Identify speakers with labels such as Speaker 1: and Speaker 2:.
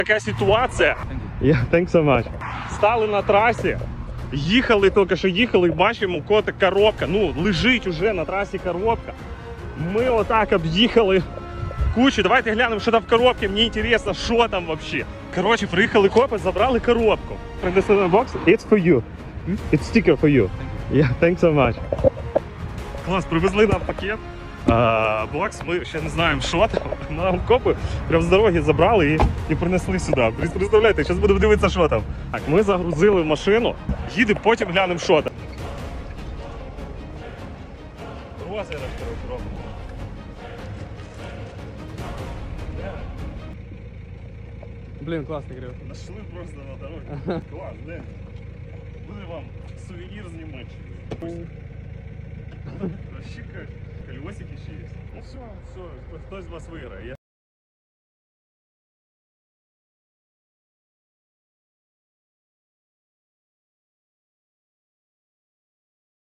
Speaker 1: Така ситуація. Thanks so much. Стали на трасі, їхали, тільки що їхали, бачимо, котик коробка. Ну, лежить уже на трасі коробка. Ми отак об'їхали кучу. Давайте глянемо, що там в коробці. Мені цікаво, що там взагалі. Коротше, приїхали копи, забрали коробку. Принесли на бокс. It's for you. It's sticker for you. Yeah, thanks so much. Клас, привезли нам пакет. Бокс, ми ще не знаємо, що там. Нам копи прямо з дороги забрали і принесли сюди. Представляєте, зараз будемо дивитися, що там. Так, ми загрузили в машину, їдемо, потім глянемо, що там. Розіграш робимо.
Speaker 2: Блін, класний грив.
Speaker 1: Нашли просто на дорозі. Клас, де? Буде вам сувенір з Німеччини. Вообще колесики ще є. Ну все, хтось з вас виграє.